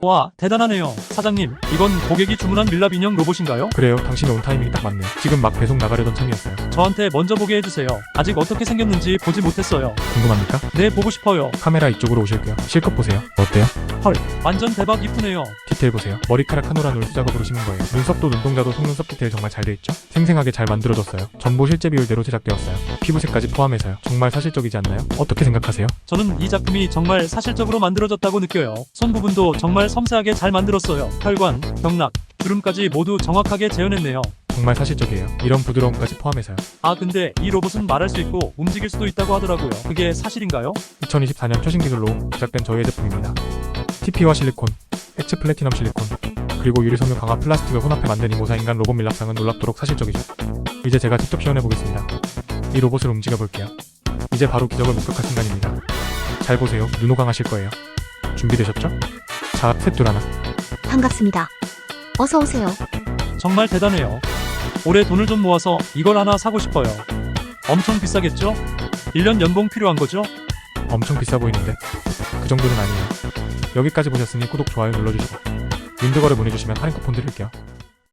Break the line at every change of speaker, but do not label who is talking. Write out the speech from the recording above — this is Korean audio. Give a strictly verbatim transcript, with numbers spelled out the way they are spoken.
와, 대단하네요. 사장님, 이건 고객이 주문한 밀랍 인형 로봇인가요?
그래요. 당신이 온 타이밍이 딱 맞네요. 지금 막 배송 나가려던 참이었어요.
저한테 먼저 보게 해주세요. 아직 어떻게 생겼는지 보지 못했어요.
궁금합니까?
네, 보고 싶어요.
카메라 이쪽으로 오실게요. 실컷 보세요. 어때요?
헐, 완전 대박 이쁘네요.
디테일 보세요. 머리카락 한 올 한 올 수작업으로 심은 거예요. 눈썹도 눈동자도 속눈썹 디테일 정말 잘 돼 있죠? 생생하게 잘 만들어졌어요. 전부 실제 비율대로 제작되었어요. 피부색까지 포함해서요. 정말 사실적이지 않나요? 어떻게 생각하세요?
저는 이 작품이 정말 사실적으로 만들어졌다고 느껴요. 손 부분도 정말 섬세하게 잘 만들었어요. 혈관, 경락, 주름까지 모두 정확하게 재현했네요.
정말 사실적이에요. 이런 부드러움까지 포함해서요.
아, 근데 이 로봇은 말할 수 있고 움직일 수도 있다고 하더라고요. 그게 사실인가요?
이천이십사 년 최신 기술로 제작된 저희의 제품입니다. 티피와 실리콘, 액체 플래티넘 실리콘, 그리고 유리섬유 강화 플라스틱을 혼합해 만든 이 모사인간 로봇 밀랍상은 놀랍도록 사실적이죠. 이제 제가 직접 시연해 보겠습니다. 이 로봇을 움직여 볼게요. 이제 바로 기적을 목격할 순간입니다. 잘 보세요. 눈호강하실 거예요. 준비되셨죠? 자, 셋, 둘, 하나.
반갑습니다. 어서 오세요.
정말 대단해요. 올해 돈을 좀 모아서 이걸 하나 사고 싶어요. 엄청 비싸겠죠? 일 년 연봉 필요한 거죠?
엄청 비싸 보이는데 그 정도는 아니에요. 여기까지 보셨으니 구독, 좋아요 눌러주시고 윈드거래 문의주시면 할인 쿠폰 드릴게요.